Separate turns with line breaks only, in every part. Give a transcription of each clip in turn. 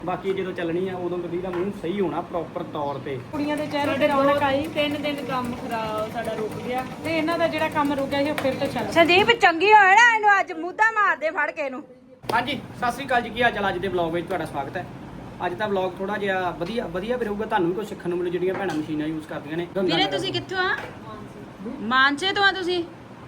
ਬਾਕੀ ਜਦੋਂ ਚੱਲਣੀ ਆ ਉਦੋਂ ਗੱਡੀ ਦਾ ਮੂੰਹ ਸਹੀ ਹੋਣਾ ਪ੍ਰੋਪਰ ਤੌਰ ਤੇ।
ਕੁੜੀਆਂ ਦੇ ਚਿਹਰੇ ਤੇ ਰੌਣਕ ਆਈ। 3 ਦਿਨ ਕੰਮ ਖਰਾਬ ਸਾਡਾ ਰੁਕ ਗਿਆ ਤੇ ਇਹਨਾਂ ਦਾ ਜਿਹੜਾ ਕੰਮ ਰੁਕਿਆ ਸੀ ਉਹ ਫਿਰ ਤੋਂ ਚੱਲ।
ਸੰਦੀਪ ਚੰਗੀ ਹੋਏ ਨਾ ਇਹਨੂੰ ਅੱਜ ਮੁੱਦਾ ਮਾਰਦੇ ਫੜ ਕੇ ਇਹਨੂੰ।
ਹਾਂਜੀ ਸਤਿ ਸ੍ਰੀ ਅਕਾਲ ਜੀ, ਕੀ ਹਾਲ ਚਾਲ? ਅੱਜ ਦੇ ਵਲੌਗ ਵਿੱਚ ਤੁਹਾਡਾ ਸਵਾਗਤ ਹੈ। ਅੱਜ ਦਾ ਵਲੌਗ ਥੋੜਾ ਜਿਹਾ ਵਧੀਆ ਵੀ ਰਹੂਗਾ, ਤੁਹਾਨੂੰ ਵੀ ਕੁਝ ਸਿੱਖਣ ਨੂੰ ਮਿਲੂ ਜਿਹੜੀਆਂ ਭੈਣਾਂ ਮਸ਼ੀਨਾਂ ਯੂਜ਼ ਕਰਦੀਆਂ ਨੇ।
ਵੀਰੇ ਤੁਸੀਂ ਕਿੱਥੋਂ ਆ? ਮਾਨਸੇ ਤੋਂ ਆ ਤੁਸੀਂ?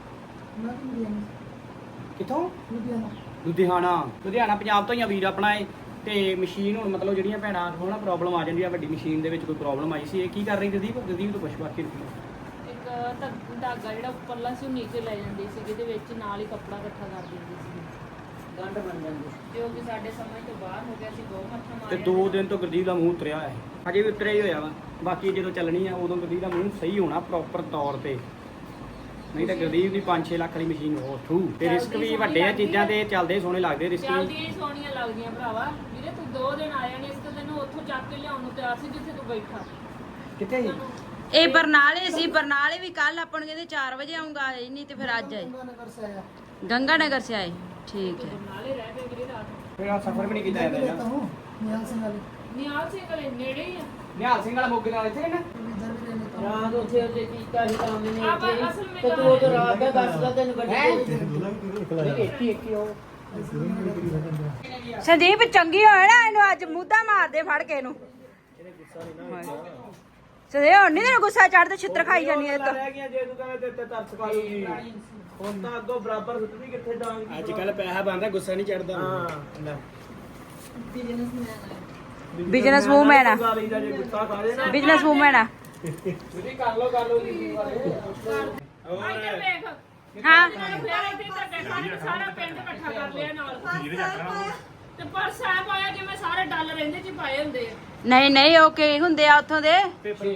ਕਿੱਥੋਂ? ਲੁਧਿਆਣਾ ਪੰਜਾਬ ਤੋਂ ਹੀ ਆ ਵੀਰ ਆਪਣਾ ਇਹ। ਤੇ ਮਸ਼ੀਨ ਹੁਣ ਮਤਲਬ ਜਿਹੜੀਆਂ ਭੈਣਾਂ ਨੂੰ ਨਾ ਪ੍ਰੋਬਲਮ ਆ ਜਾਂਦੀ ਆ, ਵੱਡੀ ਮਸ਼ੀਨ ਦੇ ਵਿੱਚ ਕੋਈ ਪ੍ਰੋਬਲਮ ਆਈ ਸੀ। ਇਹ ਕੀ ਕਰ ਰਹੀ ਗਦੀਪ ਤੋਂ ਪੁੱਛ ਬਾਕੀ
ਇੱਕ ਧਾਗਾ ਜਿਹੜਾ ਉੱਪਰਲਾ ਸੀ ਉਹ ਨੀਚੇ ਲੈ ਜਾਂਦੀ ਸੀ, ਜਿਹਦੇ ਵਿੱਚ ਨਾਲ ਹੀ ਕੱਪੜਾ ਇਕੱਠਾ ਕਰ ਦਿੰਦੀ ਸੀ, ਗੰਢ ਬਣ ਜਾਂਦੀ ਜੋ ਕਿ ਸਾਡੇ ਸਮਝ ਤੋਂ ਬਾਹਰ ਹੋ ਗਿਆ ਸੀ। ਬਹੁਤ ਮੱਥਾ ਮਾਰਿਆ
ਤੇ 2 ਦਿਨ ਤੋਂ ਗਦੀਪ ਦਾ ਮੂੰਹ ਉਤਰਿਆ ਹੈ, ਹਜੇ ਵੀ ਉਤਰਿਆ ਹੀ ਹੋਇਆ ਵਾ। ਬਾਕੀ ਜਦੋਂ ਚੱਲਣੀ ਆ ਉਦੋਂ ਗਦੀਪ ਦਾ ਮੂੰਹ ਸਹੀ ਹੋਣਾ ਪ੍ਰੋਪਰ ਤੌਰ ਤੇ, ਨਹੀਂ ਤਾਂ ਗਦੀਪ ਦੀ 5-6 ਲੱਖ ਵਾਲੀ ਮਸ਼ੀਨ ਹੋ ਥੂ। ਤੇ ਰਿਸਕ ਵੀ ਵੱਡੇ ਆ ਚੀਜ਼ਾਂ ਤੇ, ਚੱਲਦੇ ਸੋਹਣੇ ਲੱਗਦੇ ਰਿਸਕ ਵੀ
ਚੱਲਦੀਆਂ ਹੀ ਸੋਹਣੀਆਂ ਲੱਗਦੀਆਂ ਭਰਾਵਾ। ਵੀਰੇ ਤੂੰ 2 ਦਿਨ ਆਇਆ ਨਹੀਂ, ਇਸ ਤੋਂ ਤੈਨੂੰ ਉੱਥੋਂ ਚੱਕ ਕੇ ਲਿਆਉਣ ਨੂੰ ਤਿਆਰ ਸੀ ਜਿੱਥੇ ਤੂੰ ਬੈਠਾ।
ਕਿੱਥੇ ਜੀ?
ਇਹ ਬਰਨਾਲੇ ਸੀ। ਬਰਨਾਲੇ ਵੀ ਕੱਲ ਆਪਾਂ ਨੂੰ ਕਹਿੰਦੇ 4 ਵਜੇ ਆਉਂਗਾ, ਆਏ ਨਹੀਂ ਤੇ ਫਿਰ ਅੱਜ ਆਏ। ਗੰਗਾ नगर से आए। ठीक है।
ਬਰਨਾਲੇ ਰਹਿ ਗਏ ਵੀਰੇ ਰਾਤ।
ਫਿਰ ਆ ਸਫਰ ਵੀ ਨਹੀਂ ਕੀਤਾ ਜਾਂਦਾ
ਨਿਹਾਲ ਸਿੰਘ ਵਾਲੇ ਨੇੜੇ ਹੀ ਆ।
ਨਿਹਾਲ ਸਿੰਘ ਵਾਲਾ ਮੋਗੇ ਨਾਲ ਇੱਥੇ ਨਾ
ਰਾਤ ਉੱਥੇ ਉਹਦੇ ਕੀਤਾ ਸੀ ਕੰਮ ਨੇ
ਆਪਾਂ ਅਸਲ
ਤੇ
ਵਿੱਚ
ਤੂੰ ਉਹ ਰਾਤ ਦਾ ਦੱਸਦਾ ਤੈਨੂੰ ਗੱਡੀ
ਸੰਦੀਪ ਚੰਗੀ ਹੋਏ ਨਾ ਇਹਨੂੰ ਅੱਜ ਮੁੱਦਾ ਮਾਰਦੇ ਫੜ ਕੇ ਇਹਨੂੰ। ਸੰਦੀਪ ਹੁਣ ਨਹੀਂ ਤੈਨੂੰ ਗੁੱਸਾ ਚੜਦਾ, ਛਿੱਤਰ ਖਾਈ ਜਾਨੀ ਐ ਤਾਂ।
ਰਹਿ ਗਿਆ ਜੇ ਤੂੰ ਕਹਿੰਦਾ ਤੇ ਤਰਸ ਖਾ ਲੂਗੀ ਹੁਣ ਤਾਂ ਅੱਗੋਂ ਬਰਾਬਰ ਸੁੱਟਦੀ ਕਿੱਥੇ ਡਾਂਗ
ਅੱਜ ਕੱਲ ਪੈਸਾ ਬਣਦਾ, ਗੁੱਸਾ ਨਹੀਂ ਚੜਦਾ।
ਹਾਂ ਲੈ
ਬਿਜ਼ਨਸ ਵੂਮੈਨ ਆ,
ਜੇ ਗੁੱਸਾ ਖਾ ਜੇ ਨਾ
ਬਿਜ਼ਨਸ ਵੂਮੈਨ ਆ।
ਤੁਸੀਂ ਕਰ ਲੋ ਜੀ ਵਾਲੇ
ਇੱਧਰ ਵੇਖ।
ਹਾਂ
ਫਿਰ ਇੱਥੇ ਤੱਕ ਸਾਰਾ ਪਿੰਡ ਇਕੱਠਾ ਕਰ ਲਿਆ ਨਾਲ। ਤੇ ਪਰ ਸਾਹਿਬ ਆਇਆ ਜਿਵੇਂ ਸਾਰੇ ਡਾਲਰ ਇਹਦੇ ਚ ਹੀ ਪਾਏ ਹੁੰਦੇ ਆ।
ਨਹੀਂ ਨਹੀਂ ਉਹ ਕੀ ਹੁੰਦੇ ਆ ਉੱਥੋਂ ਦੇ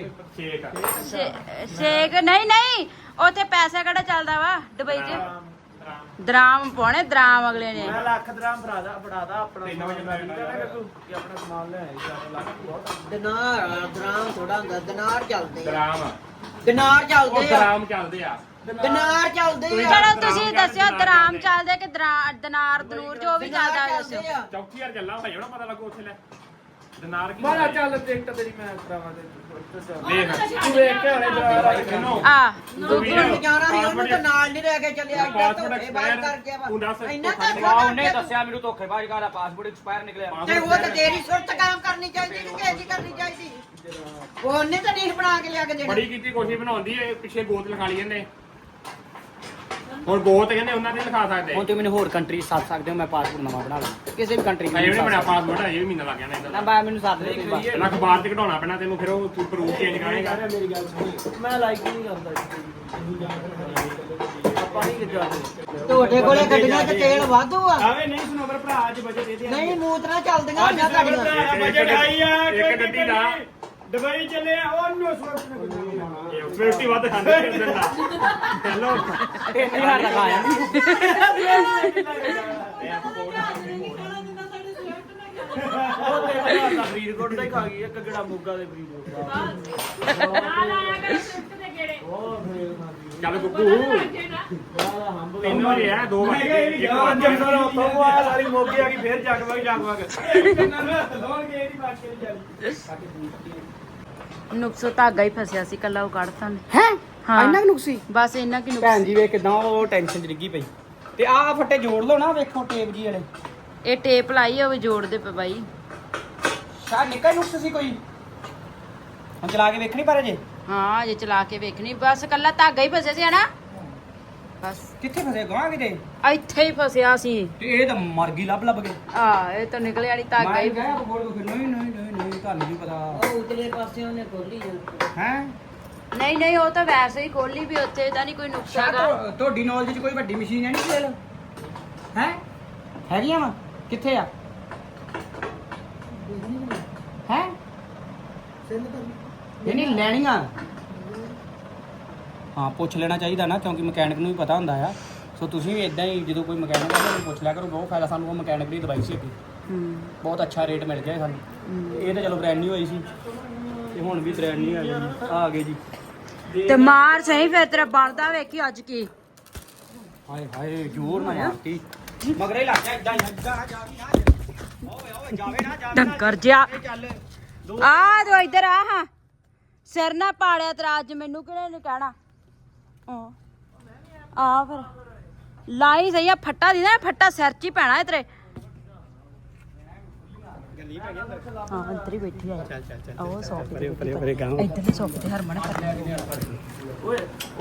ਸ਼ੇਕ? ਨਹੀਂ ਉੱਥੇ ਪੈਸਾ ਕਿਹੜਾ ਚੱਲਦਾ ਵਾ ਦੁਬਈ 'ਚ? ਦਰਾਮ ਪਾਉਣੇ, ਦਰਾਮ ਅਗਲੇ ਨੇ।
ਮੈਂ ਲੱਖ ਦਰਾਮ ਫੜਾਦਾ ਆਪਣਾ 3 ਵਜੇ ਮੈਂ ਕਹਿੰਦਾ ਕਿ ਆਪਣਾ ਸਮਾਨ ਲੈ ਆਈ 4 ਲੱਖ ਬਹੁਤ
ਦਰਾਮ ਥੋੜਾ ਹੁੰਦਾ, ਦਿਨਾਰ ਚੱਲਦੇ ਆ।
ਦਰਾਮ
ਦਿਨਾਰ ਚੱਲਦੇ ਆ,
ਦਰਾਮ ਚੱਲਦੇ ਆ।
ਦਿਨਾਰ ਚੱਲਦੇ ਆ।
ਚਲੋ ਤੁਸੀਂ ਦੱਸਿਓ ਦਰਾਮ ਚੱਲਦੇ ਕਿ ਦਿਨਾਰ ਦਨੂਰ ਜੋ ਵੀ ਚੱਲਦਾ ਹੈ ਦੱਸਿਓ।
ਚੌਕੀ ਯਾਰ ਚੱਲਾਂ ਭਾਈ ਉਹਦਾ ਪਤਾ ਲੱਗੂ ਉੱਥੇ ਲੈ ਦਿਨਾਰ ਕੀ
ਬਾਲਾ ਚੱਲ ਟਿਕਟ ਤੇਰੀ ਮੈਂ ਕਰਾਵਾਂ ਤੇ
ਦੇਖ
ਤੂੰ ਵੇਖ ਕੇ ਹਲੇ ਦਰਾਰ
ਆ
ਗੁੱਗੂ ਜਾਣਾ ਸੀ, ਉਹਨੂੰ ਤਾਂ ਨਾਲ ਨਹੀਂ ਲੈ ਕੇ ਚੱਲਿਆ। ਇੱਦਾਂ ਧੋਖੇ ਬਾਹਰ ਕਰ ਗਿਆ ਵਾ।
ਤੂੰ ਦੱਸ
ਇੰਨਾ
ਵਾਹ, ਉਹਨੇ ਦੱਸਿਆ ਮੈਨੂੰ ਧੋਖੇਬਾਜ਼ ਦਾ ਪਾਸਪੋਰਟ ਐਕਸਪਾਇਰ ਨਿਕਲਿਆ।
ਤੇ ਉਹ ਤਾਂ ਤੇਰੀ ਸੁਰਤ ਕੰਮ ਕਰਨੀ ਚਾਹੀਦੀ ਨਹੀਂ, ਕਿਹਦੀ ਕਰਨੀ ਚਾਹੀਦੀ। ਉਹਨੇ ਤਾਂ ਨਹੀਂ ਬਣਾ ਕੇ ਲਿਆ ਕੇ ਦੇਣਾ।
ਬੜੀ ਕੀਤੀ ਕੋਸ਼ਿਸ਼ ਬਣਾਉਂਦੀ ਏ, ਪਿੱਛੇ ਗੋਤ ਲਿਖਾ ਲਈ ਇਹਨੇ। ਹੁਣ ਗੋਤ ਕਹਿੰਦੇ ਉਹਨਾਂ ਤੇ ਲਿਖਾ ਸਕਦੇ
ਹੁਣ ਤੇ ਮੈਨੂੰ ਹੋਰ ਕੰਟਰੀ ਸੱਦ ਸਕਦੇ ਹੋ, ਮੈਂ ਪਾਸਪੋਰਟ ਨਵਾਂ ਬਣਾ ਲਾਂ ਕਿਸੇ ਵੀ ਕੰਟਰੀ
ਅਜੇ ਵੀ ਨਹੀਂ ਬਣਿਆ ਪਾਸਪੋਰਟ, ਅਜੇ ਵੀ ਮਹੀਨਾ ਲੱਗ ਜਾਣਾ ਇਹਦਾ।
ਨਾ ਬਾ ਮੈਨੂੰ ਸੱਦ ਦੇ ਤੂੰ ਬਸ।
ਪਹਿਲਾਂ ਅਖਬਾਰ ਤੇ ਕਢਾਉਣਾ ਪੈਣਾ ਤੈਨੂੰ, ਫਿਰ ਉਹ ਤੂੰ ਪ੍ਰੂਫ ਚੇਂਜ ਕਰਾਏਗਾ।
ਮੇਰੀ ਗੱਲ ਸੁਣੀ, ਮੈਂ ਲਾਈਕ ਨਹੀਂ ਕਰਦਾ ਆਪਾਂ ਨਹੀਂ ਜਾਂਦੇ।
ਤੁਹਾਡੇ ਕੋਲੇ ਗੱਡੀਆਂ 'ਚ ਤੇਲ ਵਾਧੂ ਆ।
ਆਵੇ ਨਹੀਂ ਸੁਣੋ ਪਰ ਭਰਾ ਅੱਜ ਬਜਟ ਇਹਦੇ
ਨਹੀਂ ਮੂਤਰਾ ਚੱਲਦੀਆਂ ਹੁੰਦੀਆਂ ਗੱਡੀਆਂ।
ਬਜਟ ਆਈ ਆ।
ਇੱਕ ਗੱਡੀ ਦਾ
ਦੁਬਈ ਚੱਲੇ ਆ, ਉਹਨੂੰ ਸਵਰਤ ਨੇ
ਫਿਫਟੀ ਵੱਧ ਖਾਂਦੇ ਫਿਰ ਦਿੰਦਾ। ਹੈਲੋ
3000 ਦਾ ਖਾਇਆ
ਫਰੀਦਕੋਟ ਦਾ ਹੀ ਖਾ ਗਈ ਇੱਕ ਗੜਾ ਮੋਗਾ ਦੇ ਫਰੀਦਕੋਟ ਦਾ।
ਨਾਲ ਆਇਆ ਕਰ ਸਿਫਟ ਦੇ ਗੇੜੇ।
ਉਹ ਫੇਰ
ਚੱਲ ਗੁੱਗੂ
ਬੜਾ ਹੰਬ
3 ਵਜੇ ਆ 2 ਵਜੇ ਇੱਕ ਵੱਜ
ਜੰਗਲ ਉੱਤੋਂ ਆ ਸਾਰੀ ਮੋਗੀ ਆ ਗਈ ਫੇਰ ਜਗਵਗ
ਨੁਕਸੋ ਧਾਗਾ ਹੀ ਫਸਿਆ ਸੀ, ਕੱਲਾ ਉਹ ਕੱਢਤਾ ਨੇ।
ਹੈ
ਹਾਂ।
ਇੰਨਾ ਕੁ ਨੁਕਸੀ
ਬਸ ਇੰਨਾ ਕੀ
ਭੈਣ
ਨੁਕਸ।
ਜੀ ਵੇਖ ਕਿਦਾਂ ਉਹ ਟੈਨਸ਼ਨ ਚ ਡਿੱਗੀ ਪਈ। ਤੇ ਆਹ ਫੱਟੇ ਜੋੜ ਲਓ ਨਾ, ਵੇਖੋ ਟੇਪ ਜੀ ਵਾਲੇ।
ਇਹ ਟੇਪ ਲਾਈ ਹੋਵੇ ਜੋੜਦੇ ਪਏ ਬਾਈ।
ਸ਼ਾਇਦ ਨਿੱਕਾ ਨੁਕਸ ਸੀ ਕੋਈ। ਹੁਣ ਚਲਾ ਕੇ ਵੇਖਣੀ ਪਰ ਅਜੇ
ਹਾਂ ਜੇ ਚਲਾ ਕੇ ਵੇਖਣੀ, ਬਸ ਕੱਲਾ ਧਾਗਾ ਹੀ ਫਸਿਆ ਸੀ ਹਨਾ। ਬਸ
ਕਿੱਥੇ ਫਸੇ ਗਾਂ ਕਿਤੇ।
ਇੱਥੇ ਹੀ ਫਸਿਆ ਸੀ।
ਤੇ ਇਹ ਤਾਂ ਮਰ ਗਈ ਲੱਭ ਕੇ।
ਆ ਇਹ ਤਾਂ ਨਿਕਲੇ ਵਾਲੀ ਧਾਗਾ
ਮੈਂ
ਹੀ।
ਗਿਆ ਬੋਲ ਕੇ ਨਹੀਂ ਤੁਹਾਨੂੰ ਨਹੀਂ ਪਤਾ
ਉਹ ਉਤਲੇ ਪਾਸੇ ਉਹਨੇ ਖੋਲੀ ਜਾਂਦੀ।
ਹੈ।
ਨਹੀਂ ਉਹ ਤਾਂ ਵੈਸੇ ਹੀ ਖੋਲੀ ਵੀ, ਉੱਥੇ ਤਾਂ ਨਹੀਂ ਕੋਈ ਨੁਕਸਾ ਹੈਗਾ।
ਤੁਹਾਡੀ ਨੌਲੇਜ ਚ ਕੋਈ ਵੱਡੀ ਮਸ਼ੀਨ ਹੈ ਨਹੀਂ ਲੈ ਹੈ ਹੈਗੀਆਂ ਵਾ ਕਿੱਥੇ ਆ ਹੈ ਨਹੀਂ ਲੈਣੀਆਂ। ਹਾਂ ਪੁੱਛ ਲੈਣਾ ਚਾਹੀਦਾ ਨਾ, ਕਿਉਂਕਿ ਮਕੈਨਿਕ ਨੂੰ ਵੀ ਪਤਾ ਹੁੰਦਾ ਆ। ਸੋ ਤੁਸੀਂ ਵੀ ਇਦਾਂ ਹੀ ਜਦੋਂ ਕੋਈ ਮਕੈਨਿਕ ਆ ਉਹਨੂੰ ਪੁੱਛ ਲਿਆ ਕਰੋ। ਬਹੁਤ ਫਾਇਦਾ ਸਾਨੂੰ ਉਹ ਮਕੈਨਿਕ ਦੀ ਦਵਾਈ ਸੀ ਅੱਗੇ, ਬਹੁਤ ਅੱਛਾ ਰੇਟ ਮਿਲ ਗਿਆ ਸਾਨੂੰ। ਇਹ ਤਾਂ ਚਲੋ ਬ੍ਰੈਂਡ ਨਹੀਂ ਹੋਈ ਸੀ, ਤੇ ਹੁਣ ਵੀ ਬ੍ਰੈਂਡ ਨਹੀਂ ਆ ਗਏ ਜੀ।
ਤੇ ਮਾਰ ਸਹੀ ਫਿਰ ਤੇਰਾ ਬਣਦਾ ਵੇਖੀ ਅੱਜ ਕੀ।
ਹਾਏ ਹਾਏ ਜ਼ੋਰ ਨਾ ਮਾਰਤੀ ਮਗਰੇ ਲੱਗ ਗਿਆ ਇਦਾਂ ਹੀ ਜਾ ਓਏ ਓਏ ਜਾਵੇ ਨਾ
ਡੰਗਰ ਜਿਹਾ
ਚੱਲ
ਆ ਜੋ ਇੱਧਰ ਆ ਹਾਂ ਸਿਰ ਨਾ ਪਾੜਿਆ ਤੇਰਾ ਅੱਜ ਮੈਨੂੰ ਕਿਹਨੇ ਨੇ ਕਹਿਣਾ ਆ ਫਿਰ ਲਾਈ ਸਹੀ ਆ ਫੱਟਾ ਦੀ ਨਾ ਫੱਟਾ ਸਿਰ 'ਚ ਹੀ ਪੈਣਾ ਤੇਰੇ ਹਾਂ ਅੰਦਰ ਹੀ ਬੈਠੀ ਆ ਚੱਲ ਉਹ ਸੋਫੇ
ਪਰੇ ਗਾਉਂ
ਇੱਧਰ ਸੋਫੇ ਤੇ ਹਰਮਨ ਕਰ
ਓਏ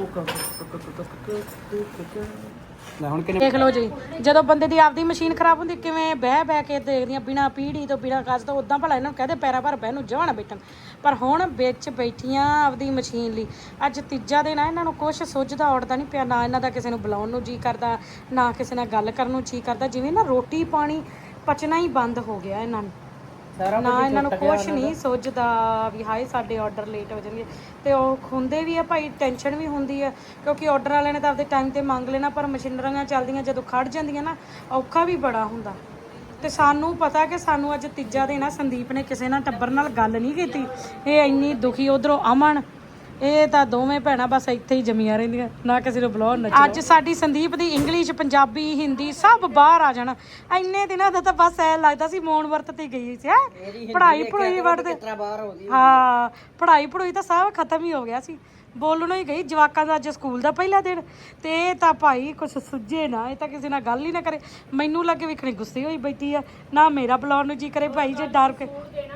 ਲੈ ਹੁਣ ਕਿੰਨੇ
ਦੇਖ ਲਓ ਜੀ ਜਦੋਂ ਬੰਦੇ ਦੀ ਆਪਦੀ ਮਸ਼ੀਨ ਖਰਾਬ ਹੁੰਦੀ ਕਿਵੇਂ ਬਹਿ ਕੇ ਦੇਖਦੀਆਂ ਬਿਨਾ ਪੀੜੀ ਤੋਂ ਬਿਨਾ ਕਾਜ ਤੋਂ ਉਦਾਂ ਭਲਾ ਇਹਨਾਂ ਨੂੰ ਕਹਦੇ ਪੈਰਾਂ ਭਰ ਬਹਿ ਨੂੰ ਜਾਣਾ ਬੈਠਣ ਪਰ ਹੁਣ ਵਿੱਚ ਬੈਠੀਆਂ ਆਪਦੀ ਮਸ਼ੀਨ ਲਈ ਅੱਜ ਤੀਜਾ ਦਿਨ ਆ ਇਹਨਾਂ ਨੂੰ ਕੁਛ ਸੁੱਝਦਾ ਔੜਦਾ ਨਹੀਂ ਪਿਆ ਨਾ ਇਹਨਾਂ ਦਾ ਕਿਸੇ ਨੂੰ ਬੁਲਾਉਣ ਨੂੰ ਜੀ ਕਰਦਾ ਨਾ ਕਿਸੇ ਨਾਲ ਗੱਲ ਕਰਨ ਨੂੰ ਜੀ ਕਰਦਾ ਜਿਵੇਂ ਨਾ ਰੋਟੀ ਪਾਣੀ ਪਚਣਾ ਹੀ ਬੰਦ ਹੋ ਗਿਆ ਇਹਨਾਂ ਨੂੰ ਨਾ ਇਹਨਾਂ ਨੂੰ ਕੁਛ ਨਹੀਂ ਸੁੱਝਦਾ ਵੀ ਹਾਏ ਸਾਡੇ ਆਰਡਰ ਲੇਟ ਹੋ ਜਾਣਗੇ ਤੇ ਉਹ ਹੁੰਦੇ ਵੀ ਆ ਭਾਈ ਟੈਨਸ਼ਨ ਵੀ ਹੁੰਦੀ ਆ ਕਿਉਂਕਿ ਆਰਡਰ ਵਾਲਿਆਂ ਨੇ ਤਾਂ ਆਪਦੇ ਟਾਈਮ ਤੇ ਮੰਗ ਲੈਣਾ ਪਰ ਮਸ਼ੀਨਰੀਆਂ ਚੱਲਦੀਆਂ ਜਦੋਂ ਖੜ ਜਾਂਦੀਆਂ ਨਾ ਔਖਾ ਵੀ ਬੜਾ ਹੁੰਦਾ ਤੇ ਸਾਨੂੰ ਪਤਾ ਕਿ ਸਾਨੂੰ ਅੱਜ ਤੀਜਾ ਦਿਨ ਆ ਸੰਦੀਪ ਨੇ ਕਿਸੇ ਨਾਲ ਟੱਬਰ ਨਾਲ ਗੱਲ ਨਹੀਂ ਕੀਤੀ ਇਹ ਇੰਨੀ ਦੁਖੀ ਉਧਰੋਂ ਅਮਨ ਇਹ ਤਾਂ ਦੋਵੇਂ ਭੈਣਾਂ ਬਸ ਇੱਥੇ ਹੀ ਜਮੀਆਂ ਰਹਿੰਦੀਆਂ ਨਾ ਕਿਸੇ ਨੂੰ ਬੁਲਾਉਣ ਨਾ ਅੱਜ ਸਾਡੀ ਸੰਦੀਪ ਦੀ ਇੰਗਲਿਸ਼ ਪੰਜਾਬੀ ਹਿੰਦੀ ਸਭ ਬਾਹਰ ਆ ਜਾਣਾ ਇੰਨੇ ਦਿਨਾਂ ਦਾ ਤਾਂ ਬਸ ਐ ਲੱਗਦਾ ਸੀ ਮੌਨ ਵਰਤ ਤੇ ਗਈ ਸੀ ਹੈ ਪੜ੍ਹਾਈ ਵੜਦੇ ਹਾਂ ਪੜ੍ਹਾਈ ਤਾਂ ਸਭ ਖਤਮ ਹੀ ਹੋ ਗਿਆ ਸੀ ਬੋਲਣੋਂ ਹੀ ਗਈ ਜਵਾਕਾਂ ਦਾ ਅੱਜ ਸਕੂਲ ਦਾ ਪਹਿਲਾ ਦਿਨ ਤੇ ਇਹ ਤਾਂ ਭਾਈ ਕੁਛ ਸੁੱਝੇ ਨਾ ਇਹ ਤਾਂ ਕਿਸੇ ਨਾਲ ਗੱਲ ਹੀ ਨਾ ਕਰੇ ਮੈਨੂੰ ਲੱਗੇ ਵੇਖਣੀ ਗੁੱਸੇ ਹੋਈ ਬੈਠੀ ਆ ਨਾ ਮੇਰਾ ਬੁਲਾਉਣ ਨੂੰ ਜੀ ਕਰੇ ਭਾਈ ਜੇ ਡਰ ਕੇ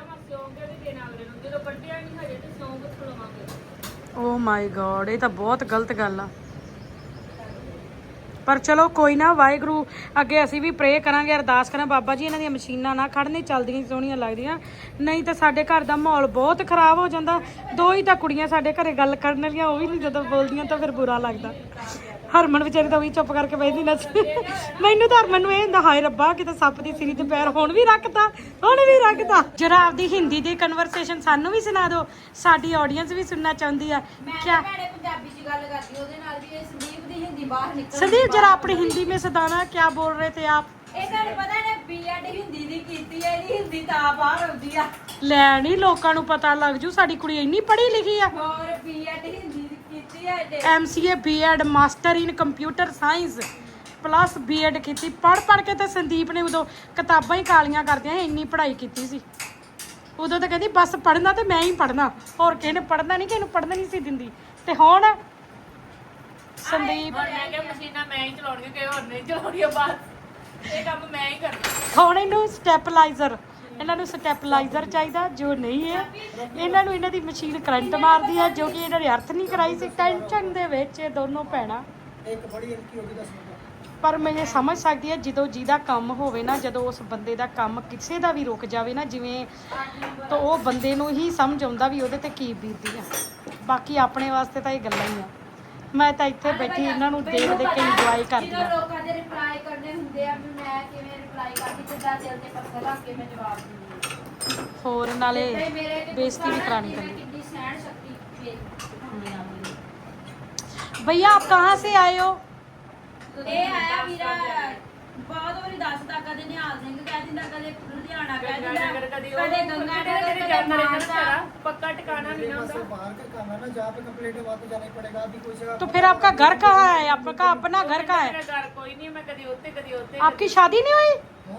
ਓ ਮਾਈ ਗॉड ਇਹ ਤਾਂ ਬਹੁਤ ਗਲਤ ਗੱਲ ਆ ਪਰ ਚਲੋ ਕੋਈ ਨਾ ਵਾਹਿਗੁਰੂ ਅੱਗੇ ਅਸੀਂ ਵੀ ਪ੍ਰੇ ਕਰਾਂਗੇ ਅਰਦਾਸ ਕਰਾਂ ਬਾਬਾ ਜੀ ਇਹਨਾਂ ਦੀਆਂ ਮਸ਼ੀਨਾਂ ਨਾ ਖੜਨੇ ਚੱਲਦੀਆਂ ਸੋਹਣੀਆਂ ਲੱਗਦੀਆਂ ਨਹੀਂ ਤਾਂ ਸਾਡੇ ਘਰ ਦਾ ਮਾਹੌਲ ਬਹੁਤ ਖਰਾਬ ਹੋ ਜਾਂਦਾ ਦੋ ਹੀ ਤਾਂ ਕੁੜੀਆਂ ਸਾਡੇ ਘਰੇ ਗੱਲ ਕਰਨ ਵਾਲੀਆਂ ਉਹ ਵੀ ਨਹੀਂ ਜਦੋਂ ਬੋਲਦੀਆਂ ਤਾਂ ਫਿਰ ਬੁਰਾ ਲੱਗਦਾ ਹਰਮਨ ਵਿਚਾਰੀ ਤਾਂ ਵੀ ਚੁੱਪ ਕਰਕੇ ਬੈਠੀ ਨਾ ਮੈਨੂੰ ਤਾਂ ਹਰਮਨ ਨੂੰ ਇਹ ਹੁੰਦਾ ਹਾਏ ਰੱਬਾ ਕਿਤੇ ਸੱਪ ਦੀ ਸਿਰੀ ਤੇ ਪੈਰ ਹੁਣ ਵੀ ਰੱਖਦਾ ਜਰਾ ਆਪਦੀ ਹਿੰਦੀ ਦੀ ਕਨਵਰਸੇਸ਼ਨ ਸਾਨੂੰ ਵੀ ਸੁਣਾ ਦਿਓ ਸਾਡੀ ਆਡੀਅנס ਵੀ ਸੁਣਨਾ ਚਾਹੁੰਦੀ ਆ ਕਿਆ
ਪੰਜਾਬੀ ਚ ਗੱਲ ਕਰਦੀ ਉਹਦੇ ਨਾਲ ਵੀ ਇਹ ਸੰਦੀਪ ਦੀ ਹਿੰਦੀ ਬਾਹਰ ਨਿਕਲ
संदीप जरा अपनी हिंदी में सदाना क्या बोल रहे थे आप
ਇਹ ਤੁਹਾਨੂੰ ਪਤਾ ਨੇ ਬੀਐਡ ਹਿੰਦੀ ਦੀ ਕੀਤੀ ਹੈ ਇਹਦੀ ਹਿੰਦੀ ਤਾਂ ਬਾਹਰ ਆਉਂਦੀ ਆ
ਲੈ ਨਹੀਂ ਲੋਕਾਂ ਨੂੰ ਪਤਾ ਲੱਗ ਜੂ ਸਾਡੀ ਕੁੜੀ ਇੰਨੀ ਪੜ੍ਹੀ ਲਿਖੀ ਆ
ਹੋਰ ਬੀਐਡ ਹਿੰਦੀ ਦੀ ਕੀਤੀ ਹੈ ਇਹਦੇ
MCA BEd master in computer science plus BEd ਕੀਤੀ ਪੜ੍ਹ ਕੇ ਤੇ ਸੰਦੀਪ ਨੇ ਉਦੋਂ ਕਿਤਾਬਾਂ ਹੀ ਕਾਲੀਆਂ ਕਰਦਿਆਂ ਇੰਨੀ ਪੜ੍ਹਾਈ ਕੀਤੀ ਸੀ ਉਦੋਂ ਤਾਂ ਕਹਿੰਦੀ ਬਸ ਪੜ੍ਹਨਾ ਤੇ ਮੈਂ ਹੀ ਪੜ੍ਹਨਾ ਹੋਰ ਕਿਸੇ ਨੇ ਪੜ੍ਹਨਾ ਨਹੀਂ ਕਿਸੇ ਨੂੰ ਪੜ੍ਹਨਾ ਨਹੀਂ ਸੀ ਦਿੰਦੀ ਤੇ ਹੁਣ ਸੰਦੀਪ
ਮੈਂ ਕਿਹਾ ਮਸ਼ੀਨਾਂ ਮੈਂ ਹੀ ਚਲਾਉਣੀਆਂ ਕਿ ਹੋਰ ਨਹੀਂ ਚਲਾਉਣੀਆਂ ਬਸ ਇਹ ਕੰਮ ਮੈਂ ਹੀ ਕਰਨਾ
ਹੁਣ ਇਹਨੂੰ ਸਟੈਪਲਾਈਜ਼ਰ ਇਹਨਾਂ ਨੂੰ ਸਟੈਪਲਾਈਜ਼ਰ ਚਾਹੀਦਾ ਜੋ ਨਹੀਂ ਹੈ ਇਹਨਾਂ ਨੂੰ ਇਹਨਾਂ ਦੀ ਮਸ਼ੀਨ ਕਰੰਟ ਮਾਰਦੀ ਹੈ ਜੋ ਕਿ ਇਹਨਾਂ ਨੇ ਅਰਥ ਨਹੀਂ ਕਰਾਈ ਸੀ ਟੈਨਸ਼ਨ ਦੇ ਵਿੱਚ ਇਹ ਦੋਨੋਂ ਭੈਣਾਂ
ਇੱਕ ਬੜੀ ਇਨਕੀ ਹੋ ਗਈ ਦੱਸ
ਪਰ ਮੈਂ ਇਹ ਸਮਝ ਸਕਦੀ ਹਾਂ ਜਦੋਂ ਜਿਹਦਾ ਕੰਮ ਹੋਵੇ ਨਾ ਜਦੋਂ ਉਸ ਬੰਦੇ ਦਾ ਕੰਮ ਕਿਸੇ ਦਾ ਵੀ ਰੁਕ ਜਾਵੇ ਨਾ ਜਿਵੇਂ ਤਾਂ ਉਹ ਬੰਦੇ ਨੂੰ ਹੀ ਸਮਝ ਆਉਂਦਾ ਵੀ ਉਹਦੇ ਤੇ ਕੀ ਬੀਤਦੀ ਆ ਬਾਕੀ ਆਪਣੇ ਵਾਸਤੇ ਤਾਂ ਇਹ ਗੱਲਾਂ ਹੀ ਆ ਮੈਂ ਤਾਂ ਇੱਥੇ ਬੈਠੀ ਇਹਨਾਂ ਨੂੰ ਦੇਖ ਕੇ ਇੰਜੋਏ ਕਰਦੀ
ਜਦੋਂ
ਆ
ਲੋਕਾਂ ਦੇ ਰਿਪਲਾਈ ਕਰਨੇ ਹੁੰਦੇ ਆ ਵੀ ਮੈਂ ਕਿਵੇਂ ਰਿਪਲਾਈ ਕਰਦੀ ਕਿੱਦਾਂ ਦਿਲ ਤੇ ਪੱਥਰ ਰੱਖ ਕੇ ਮੈਂ ਜਵਾਬ ਦਿੰਦੀ ਹਾਂ
ਹੋਰ ਨਾਲੇ
ਤੇ ਮੇਰੇ ਤੇ
ਬੇਇੱਜ਼ਤੀ ਵੀ ਕਰਾਣੀ
ਮੈਂ
ਪੈਂਦੀ
ਕਿੰਨੀ ਸਹਿਣ ਸ਼ਕਤੀ ਹੁੰਦੀ ਆ ਮੇਰੀ
भैया आप कहाँ से आए हो
ਇਹ ਆਇਆ ਵੀਰਾ ਬਹੁਤ ਵਾਰੀ ਦੱਸਦਾ ਕਦੇ ਨਿਹਾਲ ਸਿੰਘ ਕਹਿ ਦਿੰਦਾ ਕਦੇ ਲੁਧਿਆਣਾ ਕਹਿ ਦਿੰਦਾ ਕਦੇ ਗੰਗਾ ਨਗਰ ਕਦੇ ਮਾਨਸਾ
ਪੱਕਾ ਟਿਕਾਣਾ ਨਹੀਂ ਨਾ ਹੁੰਦਾ
बाहर का काम है ना जहाँ पे कंप्लीट है वहाँ तो जाना ही पड़ेगा अभी कोई जगह
तो फिर आपका घर कहाँ है आपका अपना घर कहाँ है
ਮੇਰਾ ਘਰ ਕੋਈ ਨਹੀਂ ਮੈਂ ਕਦੀ ਉੱਤੇ
आपकी शादी नहीं हुई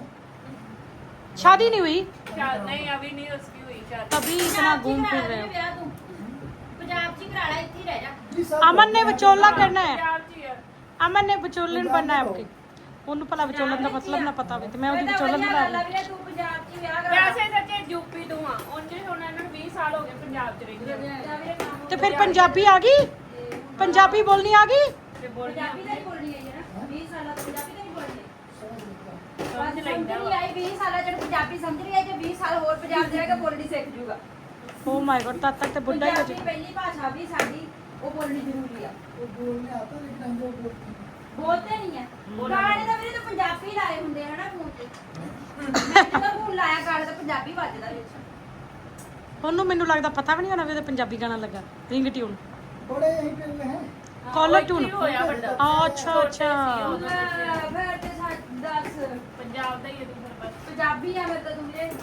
शादी नहीं हुई
शायद नहीं अभी नहीं उसकी हुई शायद
तभी इतना घूम फिर रहे हो
ਵਿਆਹ ਤੂੰ ਪੰਜਾਬ 'ਚ ਹੀ ਕਰਾ ਲੈ ਇੱਥੇ ਹੀ ਰਹਿ ਜਾ
अमन ने विचोला करना है
ਪੰਜਾਬ 'ਚ ਹੀ ਆ
अमन ने विचोलन बनना है आपकी ਉਹਨੂੰ ਭਲਾ ਵਿਚੋਲਨ ਦਾ ਮਤਲਬ ਨਾ ਪਤਾ ਹੋਵੇ ਤੇ ਮੈਂ ਉਹਦੀ ਵਿਚੋਲਨ ਬਣਾ ਲਈ
ਵੀਰੇ ਤੂੰ ਪੰਜਾਬ 'ਚ ਹੀ ਵਿਆਹ ਕਰਾ
ਵੈਸੇ ਸੱਚੇ ਯੂਪੀ ਤੋਂ ਆ ਉਂਝ ਹੁਣ ਇਹਨਾਂ ਨੂੰ 20 ਸਾਲ ਹੋ ਗਏ ਪੰਜਾਬ 'ਚ ਰਹਿੰਦੇ
ਵੀਰੇ ਕੰਮ
ਤੇ ਫਿਰ ਪੰਜਾਬੀ ਆ ਗਈ ਪੰਜਾਬੀ ਬੋਲਣੀ ਆ ਗਈ
ਤੇ ਬੋਲ
ਪੰਜਾਬੀ ਦਾ ਹੀ ਬੋਲਣੀ ਹੈ ਨਾ 20 ਸਾਲਾਂ ਤੋਂ ਪੰਜਾਬੀ ਦਾ ਹੀ ਬੋਲਣੀ
ਸਮਝ ਲੈਂਦਾ
ਨਹੀਂ ਆਈ 20 ਸਾਲਾਂ ਜਿਹੜਾ ਪੰਜਾਬੀ ਸਮਝ ਰਹੀ ਹੈ ਜੇ 20 ਸਾਲ ਹੋਰ ਪੰਜਾਬ ਜਾਏਗਾ ਬੋਲਣੀ ਸਿੱਖ ਜੂਗਾ
ਓ ਮਾਈ ਗॉड ਤਦ ਤੱਕ ਤੇ ਬੁੱਢਾ ਹੀ ਹੋ
ਪੰਜਾਬੀ ਪਹਿਲੀ ਭਾਸ਼ਾ ਵੀ ਸਾਡੀ ਉਹ ਬੋਲਣੀ ਜ਼ਰੂਰੀ ਆ
वो बोलने आता लेकिन हम लोग
ਬੋਲਦੇ ਨਹੀਂ ਆ ਗਾਣੇ ਤਾਂ ਵੀਰੇ ਤਾਂ ਪੰਜਾਬੀ ਲਾਏ ਹੁੰਦੇ ਹਨਾ ਫੋਨ ਤੇ ਮੈਂ ਜਦੋਂ ਫੋਨ ਲਾਇਆ ਗਾਣੇ ਤਾਂ ਪੰਜਾਬੀ ਵੱਜਦਾ ਵਿੱਚ
ਉਹਨੂੰ ਮੈਨੂੰ ਲੱਗਦਾ ਪਤਾ ਵੀ ਨਹੀਂ ਹੋਣਾ ਵੀ ਉਹਦੇ ਪੰਜਾਬੀ ਗਾਣਾ ਲੱਗਾ ਰਿੰਗ ਟਿਊਨ
बड़े यहीं पे हुए हैं
ਕਾਲਰ ਟਿਊਨ
ਹੋਇਆ ਵੱਡਾ
ਅੱਛਾ ਅੱਛਾ
ਫਿਰ ਤੇ ਦੱਸ
ਪੰਜਾਬ ਦਾ ਹੀ ਹੈ ਤੂੰ ਫਿਰ ਬਸ
ਪੰਜਾਬੀ ਆ ਫਿਰ ਤਾਂ ਤੂੰ ਵੀਰੇ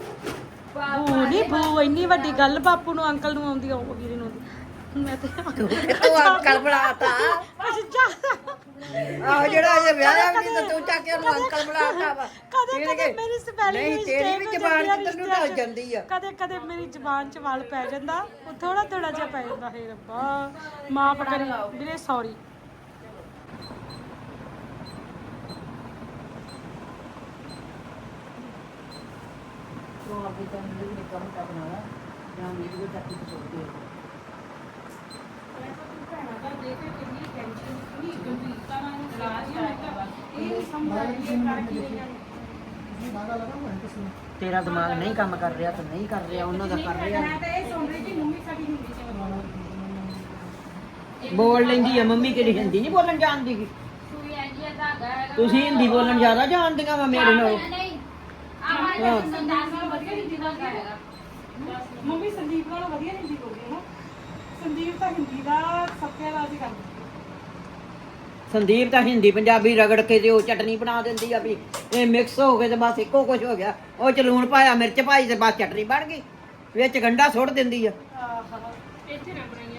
ਭੂ ਨਹੀਂ ਭੂ ਇੰਨੀ ਵੱਡੀ ਗੱਲ ਬਾਪੂ ਨੂੰ ਅੰਕਲ ਨੂੰ ਆਉਂਦੀ ਆ ਉਹ ਵੀਰੇ ਨੂੰ ਆਉਂਦੀ ਮੈਂ ਤੇ
ਤੂੰ ਅੰਕਲ ਬਣਾਤਾ
ਕੁਝ ਜ਼ਿਆਦਾ
ਆਹ ਜਿਹੜਾ ਇਹ ਵਿਆਹ ਵੀ ਤਾਂ ਤੂੰ ਚੱਕ ਕੇ ਉਹਨੂੰ ਅੰਕਲ ਬੁਲਾਤਾ ਵਾ
ਕਦੇ ਕਦੇ ਮੇਰੀ ਸਪੈਲਿੰਗ
ਨਹੀਂ ਤੇਰੀ ਵੀ ਜ਼ਬਾਨ ਕਿੱਧਰ ਨੂੰ ਢਲ ਜਾਂਦੀ ਆ
ਕਦੇ ਕਦੇ ਮੇਰੀ ਜ਼ਬਾਨ 'ਚ ਵਲ ਪੈ ਜਾਂਦਾ ਉਹ ਥੋੜਾ ਥੋੜਾ ਜਿਹਾ ਪੈ ਜਾਂਦਾ ਹੈ ਰੱਬਾ ਮਾਫ ਕਰੀ ਵੀਰੇ ਸੌਰੀ
ਤੂੰ ਆਪਣੀ ਤਾਂ ਨਹੀਂ ਕੰਮ ਕਰਨਾ ਵਾ ਜਾਂ ਮੇਰੀ ਕੋਈ ਚੱਕੀ ਚੋਕੇ ਤੇਰਾ ਦਿਮਾਗ ਨਹੀਂ ਕੰਮ ਕਰ ਰਿਹਾ ਤਾਂ ਨਹੀਂ ਕਰ ਰਿਹਾ ਉਹਨਾਂ ਦਾ ਕਰ ਰਿਹਾ ਬੋਲ ਲੈਂਦੀ ਆ ਮੰਮੀ ਕਿਹੜੀ ਹਿੰਦੀ ਨਹੀਂ ਬੋਲਣ ਜਾਣਦੀ ਗੀ।
ਸੂਈ ਐਂਜੀ ਧਾਗਾ ਹੈਗਾ
ਤੁਸੀਂ ਹਿੰਦੀ ਬੋਲਣ ਜ਼ਿਆਦਾ ਜਾਣਦੀਆਂ ਵਾ ਮੇਰੇ ਨਾਲ
ਨਹੀਂ ਆਹ ਸੰਦਾਸ ਵਧੀਆ ਹਿੰਦੀ ਦਾ ਹੈਗਾ
ਮੰਮੀ ਸੰਦੀਪ ਨਾਲੋਂ ਵਧੀਆ ਹਿੰਦੀ ਬੋਲਦੀ ਹੈ ਨਾ ਸੰਦੀਪ ਤਾਂ ਹਿੰਦੀ ਦਾ ਸੱਤਿਆਨਾਸ਼ ਹੀ ਕਰਦੀ
ਸੰਦੀਪ ਤਾਂ ਹਿੰਦੀ ਪੰਜਾਬੀ ਰਗੜ ਕੇ ਤੇ ਉਹ ਚਟਨੀ ਬਣਾ ਦਿੰਦੀ ਆ ਵੀ ਇਹ ਮਿਕਸ ਹੋ ਗਏ ਤੇ ਬਸ ਇੱਕੋ ਕੁਝ ਹੋ ਗਿਆ ਉਹ ਚ ਲੂਣ ਪਾਇਆ ਮਿਰਚ ਪਾਈ ਤੇ ਬਸ ਚਟਨੀ ਬਣ ਗਈ ਵਿੱਚ ਗੰਢਾ ਸੁੱਟ ਦਿੰਦੀ ਆ
ਇੱਥੇ ਨਾ ਬਣਾਈਆਂ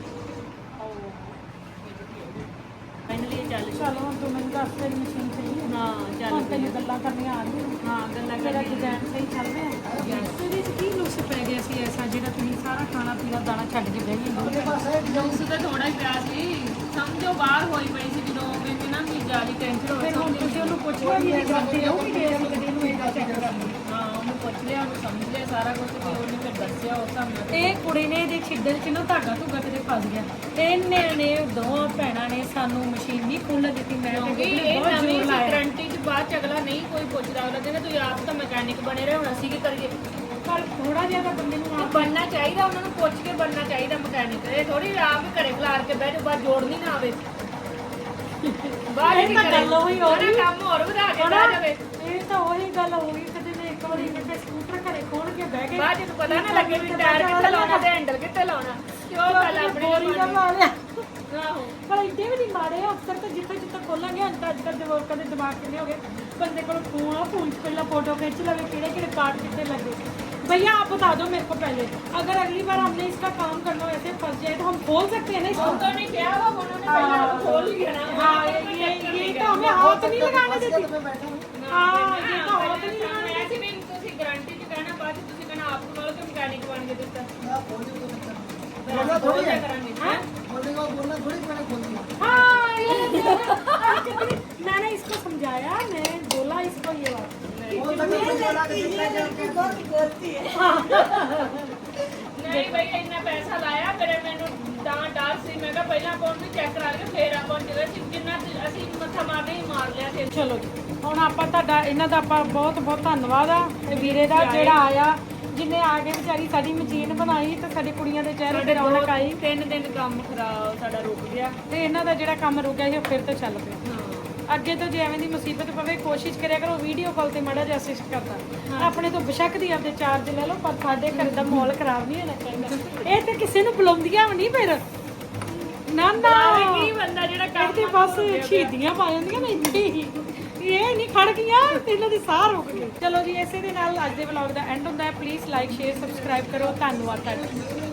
ਚਲ ਹੁਣ ਤੂੰ ਮੈਨੂੰ ਦੱਸ ਤੇਰੀ ਮਸ਼ੀਨ ਸਹੀ ਹੈ
ਹਾਂ ਚੱਲ
ਹੁਣ ਤੈਨੂੰ ਗੱਲਾਂ ਕਰਨੀਆਂ ਆ ਰਹੀਆਂ
ਹਾਂ ਗੱਲਾਂ
ਤੇਰਾ ਡਿਜ਼ਾਈਨ ਸਹੀ ਚੱਲ ਰਿਹਾ ਹੈ ਇਹਦੇ 'ਚ ਕੀ ਨੁਕਸ ਪੈ ਗਿਆ ਸੀ ਐਸਾ ਜਿਹੜਾ ਤੁਸੀਂ ਸਾਰਾ ਖਾਣਾ ਪੀਣਾ ਦਾਣਾ ਛੱਡ ਕੇ ਬਹਿ ਗਏ
ਉਸ ਤਾਂ ਥੋੜਾ ਹੀ ਪਿਆ ਸੀ ਸਮਝੋ ਬਾਹਰ ਹੋਈ ਪਈ ਸੀ ਜਦੋਂ ਮੈਨੂੰ ਨਾ ਵੀ ਜ਼ਿਆਦਾ ਟੈਨਸ਼ਨ ਹੋਈ
ਫਿਰ ਹੁਣ ਤੁਸੀਂ ਉਹਨੂੰ ਪੁੱਛਿਆ ਵੀ ਇਹ ਕਰਦੇ ਹੋ ਕਿ ਜੇ ਅਸੀਂ ਕਦੇ ਨੂੰ ਇਹ ਚੈੱਕ ਕਰਨੀ
ਹਾਂ ਉਹਨੂੰ ਪੁੱਛ ਲਿਆ ਉਹਨੂੰ ਸਮਝ ਲਿਆ ਸਾਰਾ ਕੁਝ ਤੇ ਉਹਨੇ ਫਿਰ ਦੱਸਿਆ ਉਸ ਹਿਸਾਬ ਨਾਲ
ਇਹ ਕੁੜੀ ਨੇ ਇਹਦੇ ਛਿੱਡਲ 'ਚ ਨਾ ਧਾਗਾ ਧੁਗਾ ਕਿਤੇ ਫਸ ਗਿਆ ਇਹਨੇ ਨੇ ਦੋਵਾਂ ਭੈਣਾਂ ਨੇ ਸਾਨੂੰ ਮਸ਼ੀਨ ਨਹੀਂ ਖੋਲ੍ਹਣ ਦਿੱਤੀ ਮੈਂ ਤੇ
ਕਿਉਂਕਿ
ਗੁੱਡੀ ਨੇ
ਇਹ
ਬਹੁਤ
ਨਵੀਂ
ਜ਼ੋਰ
ਸੀ
ਲਾਇਆ
ਗਰੰਟੀ ਚ ਬਾਅਦ ਚ ਅਗਲਾ ਨਹੀਂ ਕੋਈ ਪੁੱਛਦਾ ਅਗਲਾ ਕਹਿੰਦਾ ਤੁਸੀਂ ਆਪ ਤਾਂ ਮੈਕੈਨਿਕ ਬਣੇ ਰਹੇ ਹੁਣ ਅਸੀਂ ਕੀ ਕਰੀਏ
ਪਰ ਥੋੜਾ ਜਿਹਾ ਤਾਂ ਬੰਦੇ ਨੂੰ
ਤੇ ਬਣਨਾ ਚਾਹੀਦਾ ਉਹਨਾਂ ਨੂੰ ਪੁੱਛ ਕੇ ਬਣਨਾ ਚਾਹੀਦਾ ਮਕੈਨਿਕ ਇਹ ਥੋੜੀ ਆਪ ਹੀ ਘਰੇ ਖਲਾਰ ਕੇ ਬਹਿ ਜਾਓ ਬਾਅਦ ਜੋੜਨੀ ਨਾ ਆਵੇ ਬਾਅਦ
ਇਹ ਤਾਂ ਗੱਲ ਉਹੀ ਹੋ ਰਹੀ।
ਕੰਮ ਹੋਰ ਵਧਾ ਕੇ ਬਹਿ ਜਾਵੇ
ਇਹ ਤਾਂ ਉਹੀ ਗੱਲ ਹੋ ਗਈ ਕਦੇ ਨੇ ਇੱਕ ਵਾਰੀ ਕਿਤੇ ਸਕੂਟਰ ਘਰੇ ਖੋਲ ਕੇ ਬਹਿ ਗਏ
ਬਾਅਦ ਚ ਪਤਾ ਨਾ ਲੱਗੇ ਵੀ ਟਾਇਰ ਕਿੱਥੇ ਲਾਉਣਾ ਤੇ ਹੈਂਡਲ ਕਿੱਥੇ ਲਾਉਣਾ ਤੇ ਉਹ ਗੱਲ ਆਪਣੀ
ਬੋਰੀ ਦਾ ਲਾ ਲਿਆ
ਆਹੋ
ਪਰ ਇੱਡੇ ਵੀ ਨਹੀਂ ਮਾੜੇ ਅਫਸਰ ਤਾਂ ਜਿੱਥੇ ਜਿੱਥੇ ਖੋਲਾਂਗੇ ਹੁਣ ਤਾਂ ਅੱਜ ਕੱਲ੍ਹ ਜਵਾਕਾਂ ਦੇ ਦਿਮਾਗ ਕਿੰਨੇ ਹੋ ਗਏ ਬੰਦੇ ਕੋਲ ਫੋਨ ਆ ਫੋਨ 'ਚ ਪਹਿਲਾਂ ਫੋਟੋ खींच लवे किड़े किड़े पार्ट कितने लगे भैया आप बता दो मेरे को पहले अगर अगली बार हमने इसका काम करना वैसे फंस जाए तो हम खोल सकते हैं ना इसको
तो नहीं क्या हुआ उन्होंने पहले खोल लिया ना
हाँ ये तो हमें हाथ नहीं लगाने देती हाँ ये तो हाथ नहीं लगाने
ऐसे भी ਤੁਸੀਂ ਗਾਰੰਟੀ ਚ ਕਹਿਣਾ ਬਾਅਦ ਚ ਤੁਸੀਂ ਕਹਿਣਾ ਆਪ ਕੋਲ ਕਿ ਮਕੈਨਿਕ ਬਣ ਕੇ ਦਿੱਤਾ ਬੋਲਣਾ ਥੋੜੀ ਕਰਾਂਗੇ ਹਾਂ
हाँ ये मैंने इसको समझाया मैं बोला इसको ये बात
ਨਹੀਂ ਬਈ ਇੰਨਾ ਪੈਸਾ ਲਾਇਆ ਮੇਰੇ ਮੈਨੂੰ ਤਾਂ ਡਰ ਸੀ ਮੈਂ ਕਿਹਾ ਪਹਿਲਾਂ ਆਪਾਂ ਉਹਨੂੰ ਚੈੱਕ ਕਰਾ ਕੇ ਫੇਰ ਆਪਾਂ ਜਿਹੜਾ ਜਿੰਨਾ ਅਸੀਂ ਮੱਥਾ ਮਾਰਦੇ ਹੀ ਮਾਰ ਲਿਆ ਤੇ
ਚਲੋ ਜੀ ਹੁਣ ਆਪਾਂ ਤੁਹਾਡਾ ਇਹਨਾਂ ਦਾ ਆਪਾਂ ਬਹੁਤ ਬਹੁਤ ਧੰਨਵਾਦ ਆ ਤੇ ਵੀਰੇ ਦਾ ਜਿਹੜਾ ਆਇਆ ਜਿਨੇ ਆ ਕੇ ਵਿਚਾਰੀ ਸਾਡੀ ਮਸ਼ੀਨ ਬਣਾਈ ਤੇ ਸਾਡੀ ਕੁੜੀਆਂ ਦੇ ਚਿਹਰੇ ਤੇ ਰੌਣਕ ਆਈ
3 ਦਿਨ ਕੰਮ ਖਰਾਬ ਸਾਡਾ ਰੁਕ ਗਿਆ
ਤੇ ਇਹਨਾਂ ਦਾ ਜਿਹੜਾ ਕੰਮ ਰੁਕਿਆ ਸੀ ਉਹ ਫਿਰ ਤੋਂ ਚੱਲ ਪਿਆ ਅੱਗੇ ਤੋਂ ਜੇ ਐਵੇਂ ਦੀ ਮੁਸੀਬਤ ਪਵੇ ਕੋਸ਼ਿਸ਼ ਕਰਿਆ ਕਰੋ ਵੀਡੀਓ ਕਾਲ ਤੇ ਮਾੜਾ ਜਿਹਾ ਅਸਿਸਟ ਕਰਦਾ ਆਪਣੇ ਤੋਂ ਬੇਸ਼ੱਕ ਦੀ ਆਪਦੇ ਚਾਰਜ ਲੈ ਲਓ ਪਰ ਸਾਡੇ ਘਰ ਦਾ ਮਾਹੌਲ ਖਰਾਬ ਨਹੀਂ ਹੋਣਾ ਚਾਹੀਦਾ ਇਹ ਤੇ ਕਿਸੇ ਨੂੰ ਬੁਲਾਉਂਦੀਆਂ ਵੀ ਨਹੀਂ ਫਿਰ ਨਾ ਨਾ
ਕੀ ਬੰਦਾ ਜਿਹੜਾ ਕੰਮ
ਤੇ ਬਸ ਸ਼ਹੀਦੀਆਂ ਪਾ ਜਾਂਦੀਆਂ ਨੇ ਇੰਨੀ ਇਹ ਨਹੀਂ ਖੜ ਗਈਆਂ ਇਹਨਾਂ ਦੀ ਸਾਹ ਰੁਕ ਗਈ ਚਲੋ ਜੀ ਇਸੇ ਦੇ ਨਾਲ ਅੱਜ ਦੇ ਵਲੌਗ ਦਾ ਐਂਡ ਹੁੰਦਾ ਹੈ ਪਲੀਜ਼ ਲਾਈਕ ਸ਼ੇਅਰ ਸਬਸਕ੍ਰਾਈਬ ਕਰੋ ਧੰਨਵਾਦ ਤੁਹਾਡਾ